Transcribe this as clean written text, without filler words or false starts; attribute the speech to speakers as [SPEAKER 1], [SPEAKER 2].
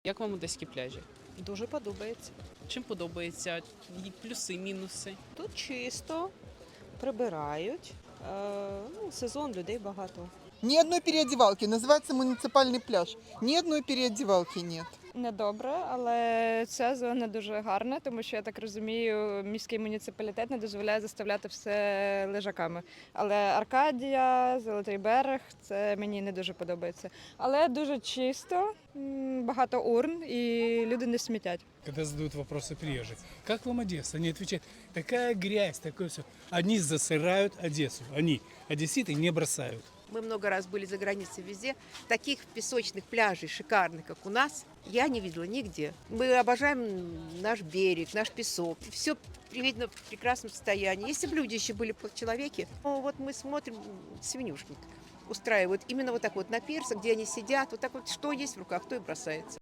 [SPEAKER 1] Як вам одеські пляжі?
[SPEAKER 2] Дуже подобається.
[SPEAKER 1] Чим подобається? І плюси, мінуси?
[SPEAKER 2] Тут чисто, прибирають. Сезон, людей багато.
[SPEAKER 3] Ни одной переодевалки. Называется муниципальный пляж. Ни одной переодевалки нет.
[SPEAKER 4] Недобре, але ця зона дуже гарна, тому що я так розумію, міський муніципалітет не дозволяє заставляти все лежаками. Але Аркадія, Золотий берег це мені не дуже подобається. Але дуже чисто, багато урн і люди не смітять.
[SPEAKER 5] Когда задают вопросы приезжие, как вам Одесса? Они отвечают, такая грязь, такое все. Они засырают Одессу, они, одесситы, не бросают.
[SPEAKER 6] Мы много раз были за границей везде. Таких песочных пляжей шикарных, как у нас, я не видела нигде. Мы обожаем наш берег, наш песок. Все видно в прекрасном состоянии. Если бы люди еще были человеки, ну, вот мы смотрим, свинюшник устраивают именно вот так вот на пирсах, где они сидят, вот так вот, что есть в руках, то и бросается.